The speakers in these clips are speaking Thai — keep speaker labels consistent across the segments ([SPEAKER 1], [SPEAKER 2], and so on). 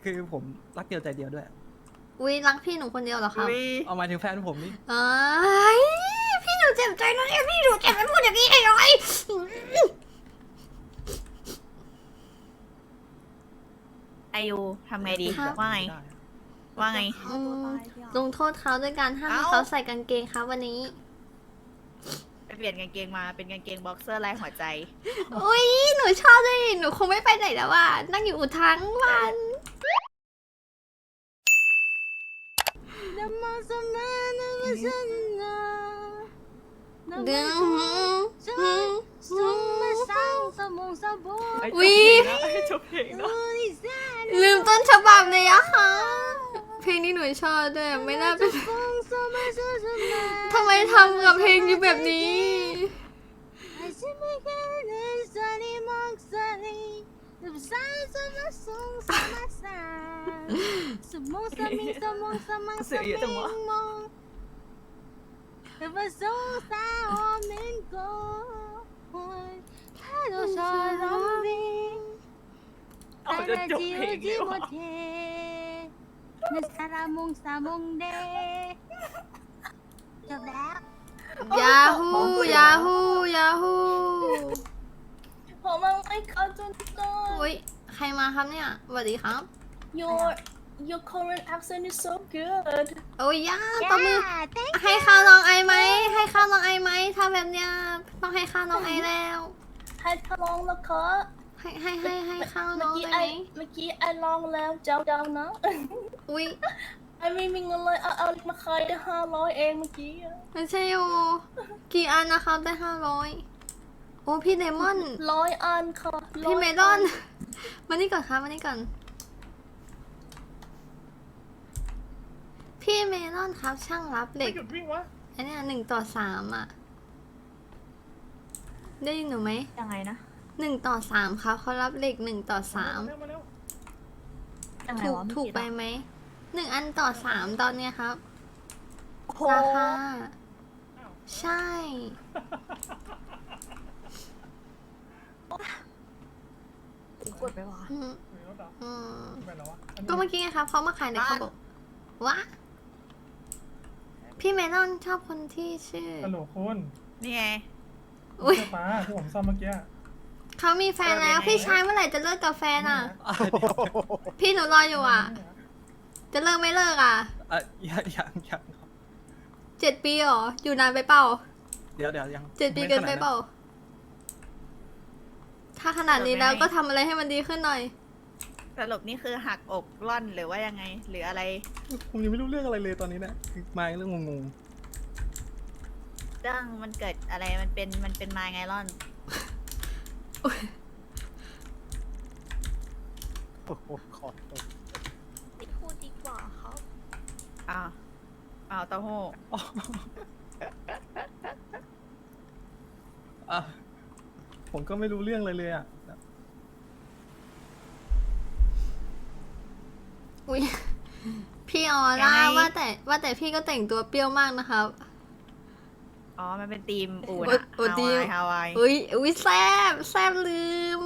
[SPEAKER 1] คือผมรักเดียวใจเดียวด้วย
[SPEAKER 2] อุ้ยรักพี่หนูคนเดียวเหรอครับ
[SPEAKER 1] เอามาถึงแฟนผมนี่
[SPEAKER 2] เอ้ยพี่หนูเจ็บใจนะเนี่ยพี่หนูเจ็บไปพูดอย่างนี้ได้ยังไง
[SPEAKER 3] อายุทำไงดี
[SPEAKER 2] ครับ
[SPEAKER 3] ว่าไง ว่าไง
[SPEAKER 2] ลงโทษเขาด้วยการห้ามให้
[SPEAKER 3] เอ้า
[SPEAKER 2] เขาใส่กางเกงครับวันนี้
[SPEAKER 3] ไปเปลี่ยนกางเกงมาเป็นกางเกงบ็อกเซอร์ลายหัวใจ
[SPEAKER 2] อุ้ยหนูชอบด้วยหนูคงไม่ไปไหนแล้วอ่ะนั่งอยู่อุทั้งวันดึงวิ
[SPEAKER 3] จบเพลงเนาะ
[SPEAKER 2] ลืมต้นฉบับเลยอะค่ะ เพลงนี้หนูชอบด้วยไม่น่าเป็นทำไมทำกับเพลงอยู่แบบนี้
[SPEAKER 3] เสียเยอะจังวะเอาจะจบเพลงเลยวะ
[SPEAKER 4] จบแล้ว
[SPEAKER 2] ยาฮูยาฮูยาฮู
[SPEAKER 4] ผมมันไม่เข้าจนต้น
[SPEAKER 2] อุ้ยใครมาครับเนี่ยสวัสดีครับ
[SPEAKER 4] your Korean accent is so good
[SPEAKER 2] โอ้ยย่าตบมือให้ข้าวน้องไอไหมให้ข้าวน้องไอไหมถ้าแบบเนี้ยต้องให้ข้าวน้องไอแล้ว
[SPEAKER 4] ให้ทดลองแล้วก็
[SPEAKER 2] ให้ข้าวน้
[SPEAKER 4] เมื่
[SPEAKER 2] อ
[SPEAKER 4] อง กี้
[SPEAKER 2] ได้
[SPEAKER 4] ไอ
[SPEAKER 2] ไหม
[SPEAKER 4] เมื่อกี้ไอลองแล้วเจ้านะ
[SPEAKER 2] อุ้ย
[SPEAKER 4] ไอไม่มีเงินเลยเอามาขายได้500เองเมื่อกี้
[SPEAKER 2] ไม่ใช่โอกี่อันนะครับได้500โอ้พี่เดมอน
[SPEAKER 4] 100 อันค่ะ
[SPEAKER 2] พี่เมลอน มานี่ก่อนครับมานี่ก่อน พี่เมลอนครับช่างรับเหล็ก
[SPEAKER 1] หยุดวิ่งวะ
[SPEAKER 2] อันเนี้ย1:3อ่ะ ได้ยินหนูไหม
[SPEAKER 3] ยังไงนะ
[SPEAKER 2] 1:3ครับเขารับเหล็ก1:3
[SPEAKER 1] เร็วมาเร็ว
[SPEAKER 3] ยังไง
[SPEAKER 2] ถูก
[SPEAKER 3] วะ
[SPEAKER 2] ถูกไปไหม1 อันต่อ3ตอนเนี้ยครับ
[SPEAKER 3] โอ้โห
[SPEAKER 2] ราคาใช่
[SPEAKER 3] กดไปวะ
[SPEAKER 2] อืม
[SPEAKER 1] มีรถเหรอ
[SPEAKER 2] อืม
[SPEAKER 1] ไปแล้ววะ
[SPEAKER 2] ก็เมื่อกี้ไงครับเขามาขายในเขาบอกว่าพี่เมลอนชอบคนที่ชื่อ
[SPEAKER 1] ฮัลโหลคุณ
[SPEAKER 3] นี่ไง
[SPEAKER 2] อุ้ย
[SPEAKER 1] เสื้อฟ้าที่ผมซ่อมเมื่อกี้
[SPEAKER 2] เขามีแฟนแล้ว
[SPEAKER 3] เออ
[SPEAKER 2] พี่ชายเมื่อไหร่จะเลิกกับแฟนอ่ะ พี่หนูรออยู่อ่ะ จะเลิกไม่เลิกอ่ะ
[SPEAKER 1] ยังครับ
[SPEAKER 2] 7 ปีเหรอ อยู่นานไปเปล่า
[SPEAKER 1] เดี๋ยวยัง
[SPEAKER 2] 7 ปีเกินไปเปล่า ถ้าขนาดนี้แล้วก็ทำอะไรให้มันดีขึ้นหน่อย
[SPEAKER 3] สรุปนี่คือหักอกร่อนหรือว่ายังไง หรืออะไร
[SPEAKER 1] ผมยังไม่รู้เรื่องอะไรเลยตอนนี้เนี่ยมาเรื่องงง
[SPEAKER 3] เรื่องมันเกิดอะไรมันเป็นมาไงร่อน
[SPEAKER 1] ๆโอ้โหขอโทษ
[SPEAKER 4] ไม่พูดดีกว่าครับ
[SPEAKER 3] อ้าวอ้าวเต้าหู้
[SPEAKER 1] อ่ะผมก็ไม่รู้เรื่องเลยอ่ะ
[SPEAKER 2] อุ้ยพี่ออร่าว่าแต่พี่ก็แต่งตัวเปรี้ยวมากนะครับ
[SPEAKER 3] อ๋อ มันเป็นทีมอูน
[SPEAKER 2] โอ้
[SPEAKER 3] อะ
[SPEAKER 2] โอ้ทีม
[SPEAKER 3] ฮาวาย
[SPEAKER 2] อุ้ยแซบลืม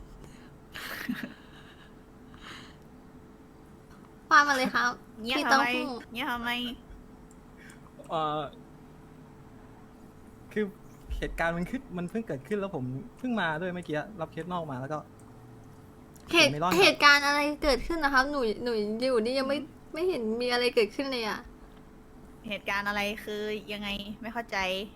[SPEAKER 2] ว่ามาเลยครับ
[SPEAKER 3] เงี้ย
[SPEAKER 2] พี่
[SPEAKER 3] ทำ
[SPEAKER 2] เต้า
[SPEAKER 3] ไม
[SPEAKER 2] หู้
[SPEAKER 3] เงี้ยทำไม
[SPEAKER 1] เอ่อคือเหตุการณ์มันเพิ่งเกิดขึ้นแล้วผมเพิ่งมาด้วยเมื่อกี้รับเคสนอกมาแล้วก็ ไม่รอดครับ
[SPEAKER 2] เหตุการณ์อะไรเกิดขึ้นนะครับ หนูอยู่นี่ยังไม่เห็นมีอะไรเกิดขึ้นเลยอ่ะ
[SPEAKER 3] เหตุการณ์อะไรคือยังไงไม่เข้าใจ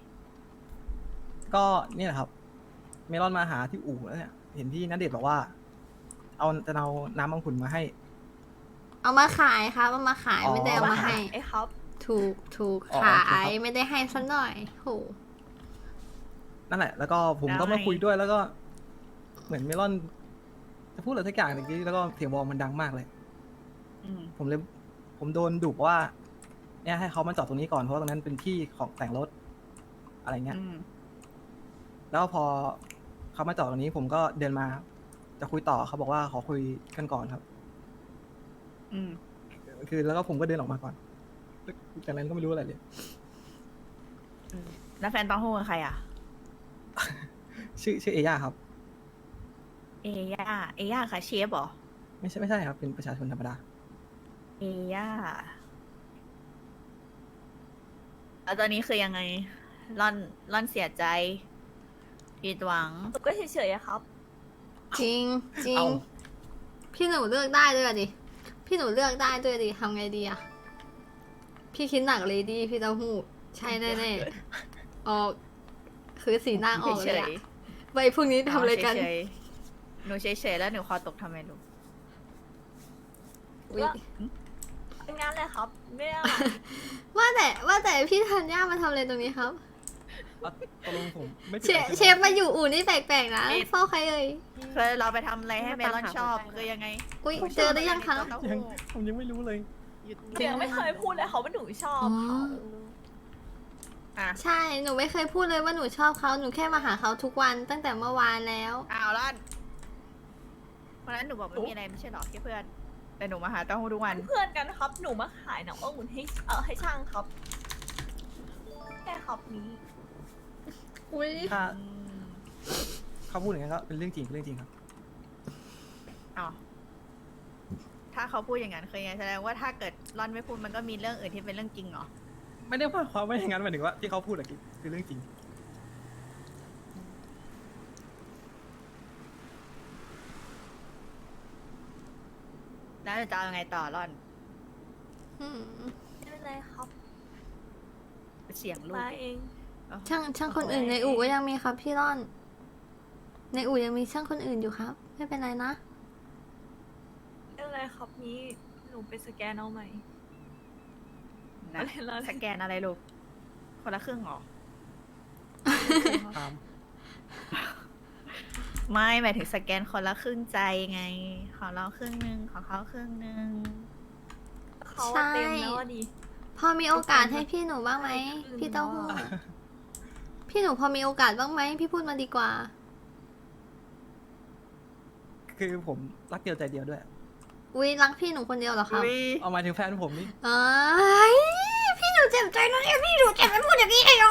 [SPEAKER 1] ก็เนี่ยแหละครับ เมลอนมาหาที่อู่แล้วเนี่ย เห็นพี่ณเดชน์บอกว่า จะเอาน้ำมังคุดมาให้
[SPEAKER 2] เอามาขายครับเอามาขาย
[SPEAKER 1] อ๋อ
[SPEAKER 2] ไม่ได้เอามาให้
[SPEAKER 3] ไอ้ครับ
[SPEAKER 2] ถูก
[SPEAKER 1] อ๋อ
[SPEAKER 2] ขา
[SPEAKER 1] โอเคครั
[SPEAKER 2] ย
[SPEAKER 1] บ
[SPEAKER 2] ไม่ได้ให้สักหน่อยโห
[SPEAKER 1] นั่นแหละ แล้วก็ผมก็
[SPEAKER 3] แล้วไง
[SPEAKER 1] มาคุยด้วยแล้วก็ เหมือนเมลอน จะพูดอะไรสักอย่างเมื่อกี้แล้วก็เสียงวอลมันดังมากเลย
[SPEAKER 3] อืม
[SPEAKER 1] ผมโดนดุว่า เนี่ยให้เขามาจอดตรงนี้ก่อนเพราะว่าตรงนั้นเป็นที่ของแต่งรถ อะไรเงี้ย
[SPEAKER 3] อืม
[SPEAKER 1] แล้วพอเขามาจอดตรงนี้ ผมก็เดินมา จะคุยต่อเขาบอกว่าขอคุยกันก่อนครับ
[SPEAKER 3] อืม
[SPEAKER 1] คือแล้วก็ผมก็เดินออกมาก่อนจากนั้นก็ไม่รู้อะไรเลย
[SPEAKER 3] แล้วแฟนเต้าหู้คือใครอ่ะ
[SPEAKER 1] ชื่อเอย่าครับ
[SPEAKER 3] เอย่าค่ะเชฟเหรอ
[SPEAKER 1] ไม่ใช่ครับเป็นประชาชนธรรมดา
[SPEAKER 3] เอย่าแล้วตอนนี้คือยังไงร่อนเสียใจผิดหวัง
[SPEAKER 4] หนูก็เฉยๆอะครับ
[SPEAKER 2] จริงจริง
[SPEAKER 1] เอ้า
[SPEAKER 2] พี่หนูเลือกได้ด้วยอะดิพี่หนูเลือกได้ด้วยดิทำไงดีอะพี่คิดหนักเลยดิพี่เต้าหู้ใช่แน่ๆออกคือสีหน้าออกเลยอะไปพรุ่งนี้ทำอะไรกัน
[SPEAKER 3] เฉยๆหนูเฉยๆแล้วหนูคอตกทำไมลูก
[SPEAKER 2] อุ๊ย
[SPEAKER 4] เป็นงานเลยครับ ไม่ได้อะไร
[SPEAKER 2] ว่าแต่พี่ธัญญามาทำอะไรตรงนี้ครับ
[SPEAKER 1] ตกลงผมไม่ผิด
[SPEAKER 2] เช
[SPEAKER 1] อะไร
[SPEAKER 2] เช
[SPEAKER 1] ใช่ไห
[SPEAKER 2] ฟมาอยู่อู่นี่แปลกๆนะเฝ้าใครเอ่ย
[SPEAKER 3] เคยเราไปทำอะไรให้เมลอนชอบคือยังไง
[SPEAKER 2] อุ๊ยเจอหรือยังคะ
[SPEAKER 1] ยังผมยังไม่รู้เลย
[SPEAKER 4] หนูยังไม่เคยพูดเลยเขาว่าหนูชอบ
[SPEAKER 2] อ๋อ
[SPEAKER 4] เขา
[SPEAKER 3] อ่ะ
[SPEAKER 2] ใช่หนูไม่เคยพูดเลยว่าหนูชอบเขาหนูแค่มาหาเขาทุกวันตั้งแต่เมื่อวานแล้ว
[SPEAKER 3] อ้าวร่อนวันนั้นหนูบอกไม่มีอะไรไม่ใช่หรอแค่เพื่อน แต่หนูมาหาเต้าหู้ทุกวัน
[SPEAKER 4] เพื่อนกันครับ หนูมาขายน้ำองุ่นให้ช่างครับแค่ครับนี้
[SPEAKER 2] อุ๊ย
[SPEAKER 1] ถ้าเขาพูดอย่างนั้นก็เป็นเรื่องจริงครับ
[SPEAKER 3] อ๋อถ้าเขาพูดอย่างนั้นเคยไงแสดงว่าถ้าเกิดร่อนไม่พูดมันก็มีเรื่องอื่นที่เป็นเรื่องจริงเหรอ
[SPEAKER 1] ไม่ได้ว่าความว่าอย่างนั้นหมายถึงว่าที่เขาพูดอะคือเรื่องจริง
[SPEAKER 3] แล้วจะเอายังไงต่อร่อน
[SPEAKER 2] อืม
[SPEAKER 4] ไม่เป็นไรครับ
[SPEAKER 3] เสียงลูก
[SPEAKER 4] มาเอง
[SPEAKER 2] ช่างคนอื่นในอู่ก็ยังมีครับพี่ร่อน ในอู่ยังมีช่างคนอื่นอยู่ครับ ไม่เป็นไรนะ
[SPEAKER 4] ไม่เป็นไรครับนี้หนูไปสแกนเอาใหม่
[SPEAKER 3] นะ
[SPEAKER 4] อะไรล่ะ
[SPEAKER 3] สแกนอะไรลูก คนละครึ่งเหรอ
[SPEAKER 1] ตาม
[SPEAKER 3] ไม่หมายถึงสแกนคนละครึ่งใจไง ของเราครึ่งหนึ่งของเขาครึ่งหนึ่ง
[SPEAKER 4] เขา
[SPEAKER 2] ใช่
[SPEAKER 4] เต็มแล้วอะดิ
[SPEAKER 2] พอมีโอกาสให้พี่หนูบ้างไหมพี่เต้าหู้พี่หนูพอมีโอกาสบ้างไหมพี่พูดมาดีกว่า
[SPEAKER 1] คือผมรักเดียวใจเดียวด้วย
[SPEAKER 2] อุ๊ยรักพี่หนูคนเดียวเหรอครับ
[SPEAKER 3] อุ๊ย
[SPEAKER 1] เอาหมายถึงแฟนผมนี่
[SPEAKER 2] เอ้ยพี่หนูเจ็บใจนะเนี่ยพี่หนูเจ็บไม่พูดอย่างนี้เลย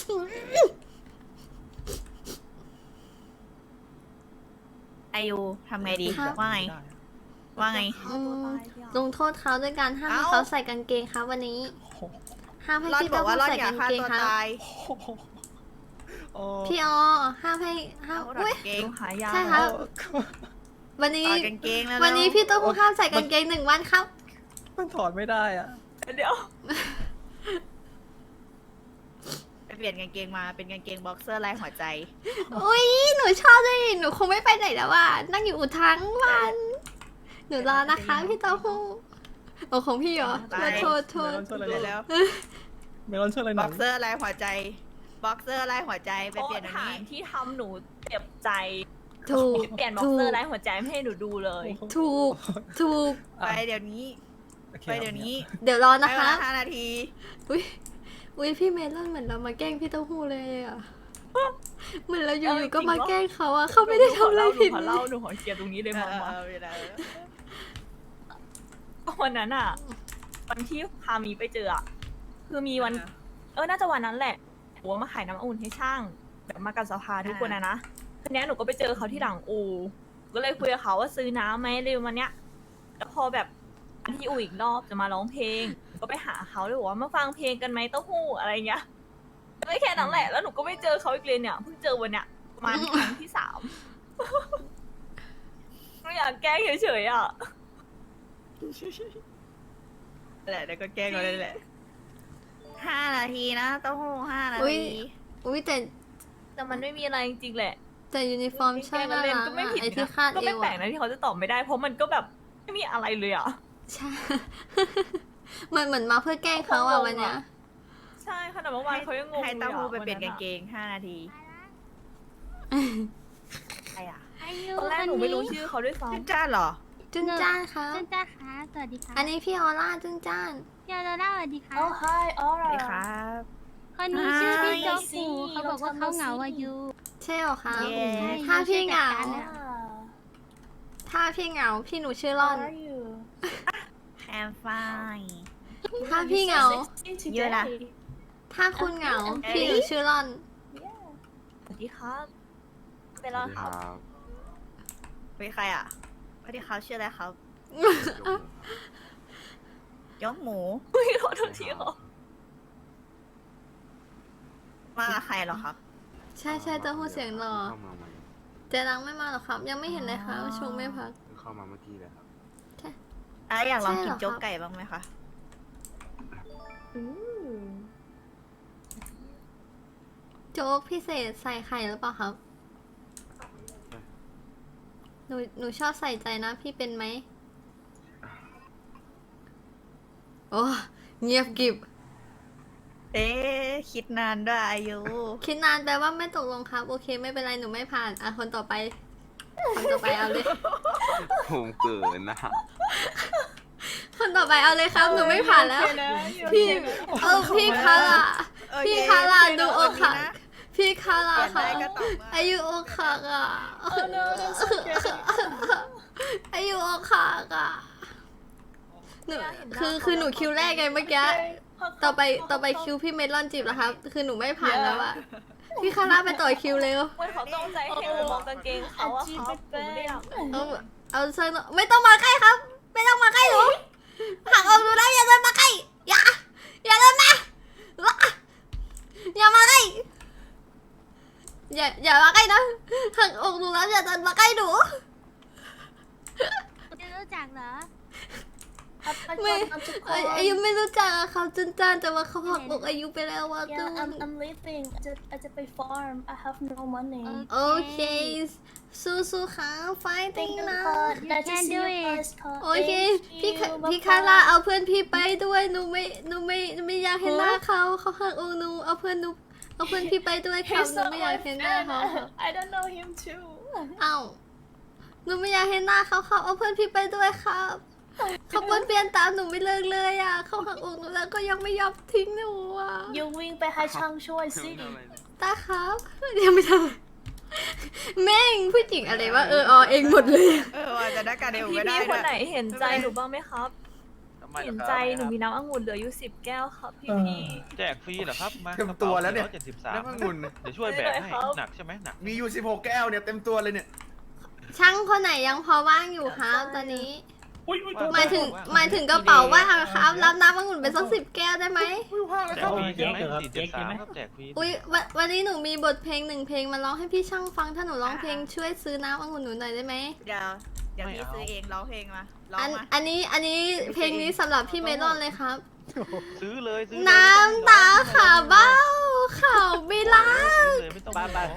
[SPEAKER 3] อายุทำไงดี
[SPEAKER 2] ครับ
[SPEAKER 3] ว่าไง ว่าไง
[SPEAKER 4] ฆ่าตัวตายเนี่ย
[SPEAKER 2] ลงโทษเขาด้วยการห้ามให้
[SPEAKER 3] เอ้า
[SPEAKER 2] เขาใส่กางเกงครับวันนี้
[SPEAKER 1] โอ้โห
[SPEAKER 2] ห้ามให้
[SPEAKER 3] ร่อน
[SPEAKER 2] พี่
[SPEAKER 3] บอ
[SPEAKER 2] เต้าก
[SPEAKER 3] ว่า
[SPEAKER 2] หู้
[SPEAKER 3] ร่อน
[SPEAKER 2] ใส่
[SPEAKER 3] อยาก
[SPEAKER 2] กาง
[SPEAKER 3] ฆ่า
[SPEAKER 2] เกง
[SPEAKER 3] ตัว
[SPEAKER 2] ครับ
[SPEAKER 3] ตาย
[SPEAKER 1] โอ้
[SPEAKER 2] พี่ออห้ามให้ห้าม
[SPEAKER 3] เอาถอด
[SPEAKER 2] อุ้ย
[SPEAKER 3] กางเกง
[SPEAKER 4] หนูหายา
[SPEAKER 2] ใช่ครับ
[SPEAKER 1] โอ้
[SPEAKER 2] วันนี้
[SPEAKER 3] ถอดกางเกงแล้ว
[SPEAKER 2] วันนี้พี่เต้าหู้ห้ามใส่กางเกง1 วันครับ
[SPEAKER 1] มันถอดไม่ได้อ่ะ
[SPEAKER 4] เดี๋ยว
[SPEAKER 3] ไปเปลี่ยนกางเกงมาเป็นกางเกงบ็อกเซอร์ลายหัวใจ
[SPEAKER 2] อุ้ยหนูชอบด้วยหนูคงไม่ไปไหนแล้วอ่ะนั่งอยู่อู่ทั้งวัน หนูรอนะคะพี่เต้าหู้โอ้ของพี่เหรอ
[SPEAKER 3] ตาย
[SPEAKER 2] โทษ
[SPEAKER 1] เมลอนช่วยอะไรหน่อย
[SPEAKER 3] แล้ว
[SPEAKER 1] เมลอนช่วยอะไรห
[SPEAKER 3] บ็
[SPEAKER 1] น่
[SPEAKER 3] อ
[SPEAKER 1] อย
[SPEAKER 3] กเซอร์ลายหัวใจ บ็อกเซอร์ลายหัวใจไป
[SPEAKER 4] โอ้
[SPEAKER 3] เปลี่ยนอัน
[SPEAKER 4] ฐา
[SPEAKER 3] นี้
[SPEAKER 4] นที่ทำหนูเจ็บใจ
[SPEAKER 2] ถูก
[SPEAKER 4] เปลี่ยนบ็อกเซอร์ไร้หัวใจไม่ให้หนูดูเลย
[SPEAKER 2] ถูกถูก
[SPEAKER 3] ไปเดี๋ยวนี้
[SPEAKER 1] โอค
[SPEAKER 3] ไปเดี๋ยวนี้
[SPEAKER 2] เดี๋ยวรอ
[SPEAKER 3] ไป
[SPEAKER 2] นะคะ
[SPEAKER 3] เวลา5 นาที
[SPEAKER 2] อุ้ยอุ้ยพี่เมลอนเหมือนเรามาแกล้งพี่เต้าหู้เลยอ่ะเหมือนเราอยู่ๆก็มาแกล้งเขาอ่ะเขาไม่ได้ทำอะไรผิด
[SPEAKER 4] หนูขอเล่าหนูขอเคลียร์ตรงนี้เลยมามา
[SPEAKER 3] เวลา
[SPEAKER 4] วันนั้นอะวันที่พามีไปเจออะคือมีวัน น่าจะวันนั้นแหละหนูว่ามาขายน้ำอุ่นให้ช่าง แบบมากับสภาทุกคนนะทีนี้หนูก็ไปเจอเขาที่หลังอูก็เลยคุยกับเขาว่าซื้อน้ำไหมเร็วมาเนี้ยแล้วพอแบบที่อูอีกรอบจะมาร้องเพลงก็ไปหาเขาเลยบอกว่ามาฟังเพลงกันไหมเต้าหู้อะไรเงี้ยไม่แค่นั้นแหละแล้วหนูก็ไม่เจอเขาอีกเลยเนี่ยเพิ่งเจอวันเนี้ยประมาณครั้งที่ 3ไม่อยากแกล้งเฉยๆอ่ะ
[SPEAKER 3] แหละแล้วก็แกล้งเราเลยแหละ5 นาทีนะเต้าหู้5 นา
[SPEAKER 2] อุ๊ย
[SPEAKER 3] ที
[SPEAKER 2] อุ้ยแต่
[SPEAKER 4] แต่มันไม่มีอะไรจริงๆแหละ
[SPEAKER 2] แต่ยูนิฟอร์มช่างน่า
[SPEAKER 4] เล่น
[SPEAKER 2] รัก
[SPEAKER 4] ก็ไม่
[SPEAKER 2] อะ
[SPEAKER 4] ผิด
[SPEAKER 2] ไอที่
[SPEAKER 4] นะ
[SPEAKER 2] คาด
[SPEAKER 4] ก็
[SPEAKER 2] เอ
[SPEAKER 4] ไม่
[SPEAKER 2] ว
[SPEAKER 4] แปล
[SPEAKER 2] อะ
[SPEAKER 4] กนะที่เขาจะตอบไม่ได้ เพราะมันก็แบบไม่มีอะไรเลยอ่ะ
[SPEAKER 2] ใช่ เหมือนมาเพื่อแกล้งเขาอะวันเนี้ย
[SPEAKER 4] ใช่ขนาดเมื่อวานเขายังงง
[SPEAKER 3] ให้
[SPEAKER 4] เลย
[SPEAKER 3] เต้าหู้
[SPEAKER 4] อะ
[SPEAKER 3] ไปเปลี่ยน
[SPEAKER 4] วั
[SPEAKER 3] กางเกง5 นาทีใครอ่ะ
[SPEAKER 4] ตอนแรกหนูไม่รู้ชื่อเขาด้วยซ้
[SPEAKER 3] จุนจ้าเหรอ
[SPEAKER 2] จุนจ้านครับ
[SPEAKER 5] จุนจ้าค่ะสวัสดีค่ะ
[SPEAKER 2] อันนี้พี่ออร่าจุนจ้าน
[SPEAKER 5] พี่ออร่าสวัสดีค่ะ
[SPEAKER 4] ำอ๋อ hi
[SPEAKER 3] สวัสดีครับ
[SPEAKER 5] คนนี้ชื่อพี่โจ๊ก
[SPEAKER 4] สิ
[SPEAKER 5] ฟูเขาบอกว่าเขาเหงาอายุ
[SPEAKER 2] ใช่เหรอคะ
[SPEAKER 3] เย้
[SPEAKER 2] ถ้าพี่เหงา
[SPEAKER 5] ใช่
[SPEAKER 2] ถ้าพี่เหงาพี่หนูชื่อร่อน
[SPEAKER 3] I'm fine
[SPEAKER 2] ถ้าพี่เหงา
[SPEAKER 3] เยอะนะ
[SPEAKER 2] ถ้าคุณเหงา พี่หนูชื่อร่อน
[SPEAKER 4] สวัสดีครับเป็นไรครับ
[SPEAKER 3] เป็นใครอ่ะ ไปวัสดีครับชื่ออะไรครับ ยกหมู
[SPEAKER 4] อุ้ยขอโทษทีครับ
[SPEAKER 3] มากับใครเหรอครับ
[SPEAKER 2] ใช่ใช่เต้าหู้เสียงหล่อ
[SPEAKER 6] เข้ามาใหม่
[SPEAKER 2] เจรังไม่มาหรอครับ ยังไม่เห็นเลยครับชงไม่พัก
[SPEAKER 6] เข้ามาเมื่อกี้เลยครับ
[SPEAKER 3] อยากลองกิน
[SPEAKER 2] ใช่เหรอครับ
[SPEAKER 3] โจ๊กไก่บ้างไหมคะ
[SPEAKER 2] โจ๊กพิเศษใส่ไข่หรือเปล่าครับ หนูชอบใส่ใจนะพี่เป็นไหม โอ้เงียบกริบ
[SPEAKER 3] คิดนานด้วยอายุ
[SPEAKER 2] คิดนานแปลว่าไม่ตกลงครับ โอเค ไม่เป็นไรหนูไม่ผ่านอ่ะคนต่อไป คนต่อไปเอาเลย
[SPEAKER 6] ผมเกินนะ
[SPEAKER 2] คนต่อไปเอาเลยครับ หนูไม่ผ่านแล้ว พี่พี่คาร่า พี่คาร่าดูอกหัก พี่คาร่า
[SPEAKER 3] เปลี่ยน
[SPEAKER 2] ค่ะ
[SPEAKER 3] ได้ก็ต่อเมื่อ
[SPEAKER 2] อายุอกหักอ่ะ อายุอกหักอ่ะหนูคือหนูคิวแรกไงเมื่อกี้ ต่อไปคิวพี่เมลอนจีบแล้วครับ คือหนูไม่ผ่านแล้วอะพี่คาร่าไปต่อคิวเร็ว
[SPEAKER 4] เหมือนเขาต้องใจให้หนูมองกางเกงเขาอะครับหนูไม่ได้อยาก
[SPEAKER 2] เอาสักหน่อยไม่ต้องมาใกล้ครับ ไม่ต้องมาใกล้หนูหักออกดูแล้วอย่าเดินมาใกล้อย่าเดินมาอย่ามาใกล้อย่ามาใกล้นะหักออกดูแล้วอย่าเดินมาใกล้หนู
[SPEAKER 5] จะรู้จักเหรอ
[SPEAKER 2] ไม่อายุไม่รู้จักอะเขาจนจานแต่ว่าเขาหักอกอายุไปแล้วว่าตุ้
[SPEAKER 7] Yeah, I'm leaving. I just pay farm. I have no money.
[SPEAKER 2] โอเคสู้ๆค่ะไฟติ้ง
[SPEAKER 7] Thank you,
[SPEAKER 2] นะ
[SPEAKER 7] God.
[SPEAKER 5] You
[SPEAKER 7] Let's
[SPEAKER 5] can
[SPEAKER 7] see
[SPEAKER 5] do
[SPEAKER 7] you
[SPEAKER 5] it.
[SPEAKER 7] guys, God.
[SPEAKER 2] โอเค
[SPEAKER 7] Thank
[SPEAKER 2] พี่
[SPEAKER 7] you.
[SPEAKER 2] คาร่าเอาเพื่อนพี่ไปด้วยหนูไม่อยากเห็นหน้าเขาหักอกหนูเอาเพื่อนพี่ไปด้วยครับ
[SPEAKER 7] He's
[SPEAKER 2] หนู
[SPEAKER 7] not
[SPEAKER 2] ไม่อยาก
[SPEAKER 7] my
[SPEAKER 2] เห็นหน้า
[SPEAKER 7] friend.
[SPEAKER 2] เขา
[SPEAKER 7] I don't know him too.
[SPEAKER 2] เอ้าหนูไม่อยากเห็นหน้าเขาครับเอาเพื่อนพี่ไปด้วยครับเขาเปลี่ยนตามหนูไม่เลิกเลยอ่ะเขาหักอกหนูแล้วก็ยังไม่ยอมทิ้งหนูอ่ะ
[SPEAKER 7] You win ไปให้ช่างช่วยสิ
[SPEAKER 2] ตาครับยังไม่ทำแม่งผู้หญิงอะไรวะเองหมดเลย
[SPEAKER 3] ว่าจะได้การเดียว
[SPEAKER 4] พี่
[SPEAKER 3] ไม่ได้
[SPEAKER 4] พี่คนไหน
[SPEAKER 3] ด้วย
[SPEAKER 4] เห็นใจหนูบ้างไหมครับ เห็นใจหนูมีน้ำองุ่นเหลืออยู่10 แก้วครับพี่
[SPEAKER 8] แจกฟรีเหรอครับ มา
[SPEAKER 9] เต็มตัวแล้วเนี่ย
[SPEAKER 8] 73
[SPEAKER 9] น้ำองุ่น
[SPEAKER 8] เดี๋ยวช่วยแบกให้หนักใช่ไหมหนัก
[SPEAKER 9] มีอยู่16แก้วเนี่ยเต็มตัวเลยเนี่ย
[SPEAKER 2] ช่างคนไหนยังพอว่างอยู่ครับตอนนี้
[SPEAKER 8] ว่
[SPEAKER 2] หมายถึงกระเป๋าว่างครับรับน้ำองุ่นไปสัก10 แก้วได้ไหม
[SPEAKER 8] แจกฟรีใช่ไหม473ครับแจกฟรี
[SPEAKER 2] อุ๊ยวันนี้หนูมีบทเพลง1 เพลงมาร้องให้พี่ช่างฟังถ้าหนูร้องเพลงช่วยซื้อน้ำองุ่นหนูหน่อยได้ไหม
[SPEAKER 3] เดี๋ยวพี่ซื้อเองร้องเพลงมาร้องมา
[SPEAKER 2] อันนี้เพลงนี้สำหรับพี่เมลอนเลยครับ
[SPEAKER 8] ซื้อเลยซื้อ
[SPEAKER 2] น้ำตาขาเบ้าข่าวไม่ล้าง
[SPEAKER 8] เลยไม่ต้องบ้า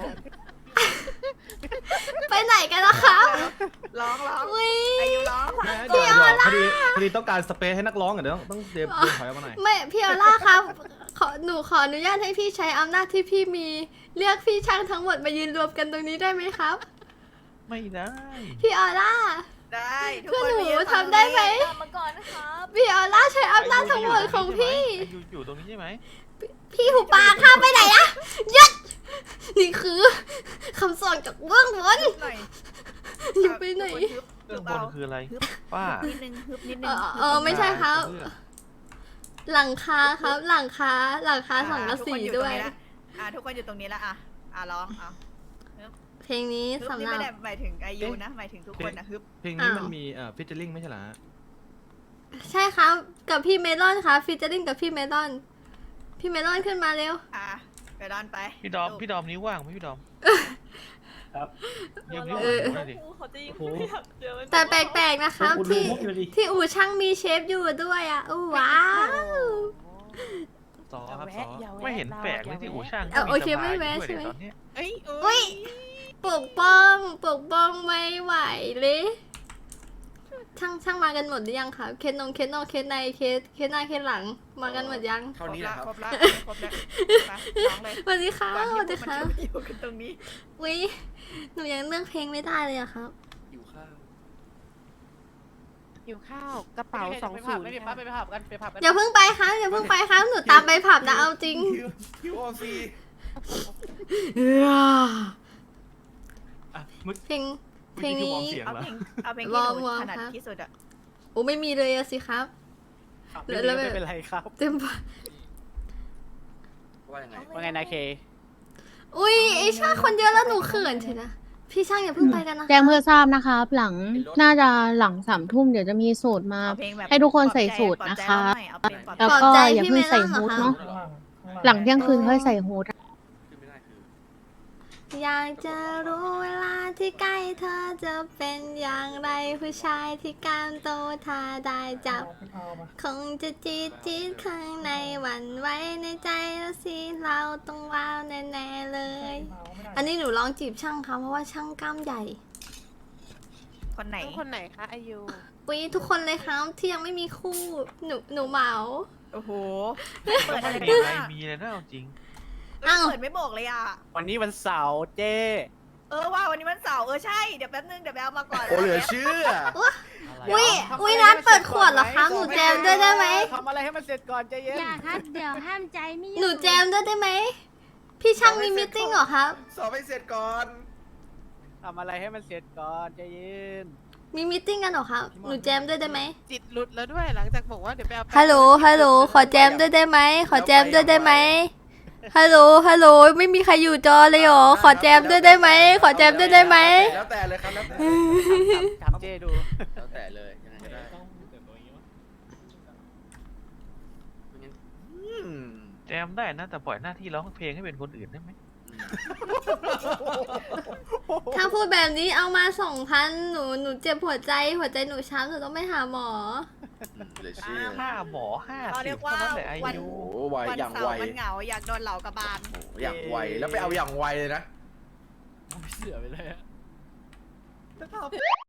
[SPEAKER 2] ไปไหนกันนะครับ
[SPEAKER 3] ร้อง
[SPEAKER 2] อุ้ย
[SPEAKER 3] อายุร้อง
[SPEAKER 2] พี่ออร่า
[SPEAKER 9] พอดีต้องการสเปซให้นักร้องเดี๋ยวต้องเดินถอยออกมาหน่อย
[SPEAKER 2] ไม่พี่ออร่าครับหนูขออนุญาตให้พี่ใช้อำนาจที่พี่มีเรียกพี่ช่างทั้งหมดมายืนรวมกันตรงนี้ได้ไหมครับ
[SPEAKER 8] ไม่ได้
[SPEAKER 2] พี่ออร่า
[SPEAKER 3] ได้ทุก
[SPEAKER 2] เพื่อน
[SPEAKER 3] คน
[SPEAKER 2] หนู
[SPEAKER 3] มายืน
[SPEAKER 2] ทำได้ไหม
[SPEAKER 4] ตามมาก่อนนะครับ
[SPEAKER 2] พี่ออร่าใช้อำนาจทั้งหมดของพี่
[SPEAKER 8] อยู่ตรงนี้ใช่ไหม
[SPEAKER 2] พี่หูปากข้ามไปไหนอะหยุดนี่คือคำสอนจากเบื้องบน
[SPEAKER 3] หน่อย
[SPEAKER 2] อย่าไปไหน
[SPEAKER 8] เรื่องบนคืออะไรป้า
[SPEAKER 3] นิดนึงฮึบนิดนึง
[SPEAKER 2] ไม่ใช่ครับ หลังคาครับ หลังคาสังกะสีด้วย
[SPEAKER 3] ทุกคนอยู่ตรงนี้ละร้อง
[SPEAKER 2] เพลงนี้
[SPEAKER 3] ฮึบ
[SPEAKER 2] สำ
[SPEAKER 3] นี่
[SPEAKER 2] หรับ
[SPEAKER 3] ไม่ได้หมายถึงอายุนะหมายถึงทุกคนนะฮึบ
[SPEAKER 9] เพลงนี้มันมีฟิชเชอร์ลิงไม่ใช่เหรอฮะ
[SPEAKER 2] ใช่ครับ กับพี่เมลอนครับฟีเจอริ่งกับพี่เมลอน พี่เมลอนขึ้นมาเร็ว
[SPEAKER 3] ไปดอนไป
[SPEAKER 8] พี่ดอมนิ้วว่างไหมพี่ดอม
[SPEAKER 9] ครับ
[SPEAKER 8] ยืมนิ้ว
[SPEAKER 2] เออ
[SPEAKER 8] หน่อยดิ
[SPEAKER 4] เขาจะยิ่งไม่อยากเจอมัน
[SPEAKER 2] แต่แปลกๆนะครับที่อู่ช่างมีเชฟอยู่ด้วยอ่ะอู้ว้าว
[SPEAKER 8] ซอครับซอไม่เห็นแปลกเลยที่อู่ช่าง
[SPEAKER 2] โอเคไม่แวะใช่ไหม
[SPEAKER 8] ตอนเนี้ย
[SPEAKER 2] อุ้ยปกป้องไม่ไหวเลยช่างมากันหมดหรือยังครับเคสนงเคสนอกเคสในเคสหน้าเคสหลังมากันหมดยัง
[SPEAKER 9] เท่านี้แหละครับ
[SPEAKER 3] ครบแล้วร้องเลย
[SPEAKER 2] สวัสดีค่ะ
[SPEAKER 3] ก่อน
[SPEAKER 2] ส
[SPEAKER 3] ที่
[SPEAKER 2] วัสดี
[SPEAKER 3] พวก
[SPEAKER 2] ค่ะ
[SPEAKER 3] มันจะอยู่กันตรงนี้
[SPEAKER 2] อุ้ยหนูยังเลือกเพลงไม่ได้เลยอะครับ
[SPEAKER 9] อยู่ข้าว
[SPEAKER 10] หิวข้าวกระเป๋า20ไม่ได้ปั๊บไปผับกันไปผับกัน
[SPEAKER 2] อย่าเพิ่งไปครับอย่าเพิ่งไปครับหนูตามไปผับนะเอาจริง
[SPEAKER 9] คิวออซี
[SPEAKER 2] เพลงนี้
[SPEAKER 3] เอาเพลงที่ห
[SPEAKER 2] วอ
[SPEAKER 3] นู
[SPEAKER 2] ร์ม
[SPEAKER 3] ถนัด
[SPEAKER 2] ครับ
[SPEAKER 3] ที่สุดอะ
[SPEAKER 2] โอ้ไม่มีเลยอะสิครับ แล้ว
[SPEAKER 10] ไม่เป็นไรครับ
[SPEAKER 2] เต็มปะ
[SPEAKER 9] ว่ายังไง
[SPEAKER 10] ว่าไงนะเค
[SPEAKER 2] อุ้ยไอชาคนเยอะแล้วหนูเขินเถอะนะพี่ช่างอย่าเพิ่งไปกันนะคะ
[SPEAKER 5] แจ้งเพื่อทราบนะครับ หลังน่าจะหลัง3 ทุ่มเดี๋ยวจะมีสูตรมา
[SPEAKER 3] เอาเพลงแบบ
[SPEAKER 5] ให้ทุกคน
[SPEAKER 3] ปลอบ
[SPEAKER 5] ใส่
[SPEAKER 3] ใจ
[SPEAKER 5] สูตร
[SPEAKER 3] ปลอบ
[SPEAKER 5] นะ
[SPEAKER 3] ใจ
[SPEAKER 5] คะ
[SPEAKER 3] เราหน่อยเอาเพลงปลอบใจ
[SPEAKER 5] แล้ว
[SPEAKER 2] ปลอบ
[SPEAKER 5] ก็
[SPEAKER 2] ใจ
[SPEAKER 5] อย่า
[SPEAKER 2] พี่
[SPEAKER 5] เพิ่ง
[SPEAKER 2] ไม่
[SPEAKER 5] ใส่
[SPEAKER 2] ต้องเหรอ
[SPEAKER 5] ฮูด
[SPEAKER 2] คะ
[SPEAKER 5] เนาะหลังเที่ยงคืนค่อยใส่ฮูด
[SPEAKER 2] อยากจะรู้เวลาที่ใกล้เธอจะเป็นอย่างไรผู้ชายที่กล้ามโตถ้าได้จับ คงจะจี๊ดข้างในหวั่นไหวในใจแล้วสิเราต้องว้าวแน่ๆเลย อันนี้หนูลองจีบช่างค่ะเพราะว่าช่างกล้ามใหญ่
[SPEAKER 3] คนไหน
[SPEAKER 10] คนไหนคะอายุ
[SPEAKER 2] อุ๊ยทุกคนเลยครับที่ยังไม่มีคู่หนูเหมา
[SPEAKER 3] โอ้โห
[SPEAKER 8] ไม่
[SPEAKER 3] เปิดอะไร
[SPEAKER 8] มี
[SPEAKER 3] ไม่
[SPEAKER 8] อะไร
[SPEAKER 3] ได้
[SPEAKER 8] มีเลยนะเอาจริง
[SPEAKER 2] อ้าว
[SPEAKER 3] เปิดไม่บอกเลยอ่ะ
[SPEAKER 10] วันนี้วันเสาร์เจ้
[SPEAKER 3] ว่าวันนี้มันเสาร์ใช่เดี๋ยวแป๊บนึงเดี๋ยวไปเอามาก่อน
[SPEAKER 6] โอ้เหลือเชื่อ
[SPEAKER 2] อุ๊ยนัดเปิดขวดเหรอคะหนูแจมด้วยได้ไหม
[SPEAKER 10] ทำอะไรให้มันเสร็จก่อนใจเย็น
[SPEAKER 5] อย่าครับ เดี๋ยวห้ามใจไม่อยู่
[SPEAKER 2] หนูแจมด้วยได้ไหมพี่ช่างมีมิทติ้งเหรอครับ
[SPEAKER 6] สอบให้เสร็จก่อน
[SPEAKER 10] ทำอะไรให้มันเสร็จก่อนใจเย็น
[SPEAKER 2] มีมิทติ้งกันเหรอครับหนูแจมด้วยได้ไหม
[SPEAKER 10] จิตหลุดแล้วด้วยหลังจากบอกว่าเดี๋ยวไปเอา
[SPEAKER 2] ฮัลโหลขอแจมด้วยได้ไหมขอแจมด้วยได้ไหมฮัลโหลไม่มีใครอยู่จอเลยเหรอขอแจมด้วยได้ไหมขอแจมด้วยได้ไหม
[SPEAKER 6] แล้วแต่เลยครับแล้วแต่
[SPEAKER 10] ถามเจ้ดู
[SPEAKER 6] แล้วแต่เลยยังไงก็ได้อืม
[SPEAKER 8] แจมได้นะ แต่ปล่อยหน้าที่ร้องเพลงให้เป็นคนอื่นได้ไหม
[SPEAKER 2] ถ้าพูดแบบนี้เอามา2,000หนูเจ็บหัวใจหนูช้ำหนูต้องไปหาหมอ
[SPEAKER 6] เหลือเชื่อ
[SPEAKER 8] 5 หมอ
[SPEAKER 3] เขาเรีย
[SPEAKER 8] 50
[SPEAKER 3] กว่า
[SPEAKER 8] เท่านั้นแหละอา
[SPEAKER 3] วัน
[SPEAKER 8] ยุ
[SPEAKER 6] โอ้ไว
[SPEAKER 3] วัน
[SPEAKER 6] อย่าง
[SPEAKER 3] เสา
[SPEAKER 6] ไว
[SPEAKER 3] ร์มันเหงาอยากโดนเหล่ากระบาล
[SPEAKER 6] โอ้อย่างไวแล้วไปเอาอย่างไวเลยนะ
[SPEAKER 10] ไม่เสือไปเลยอะ
[SPEAKER 1] สภาพ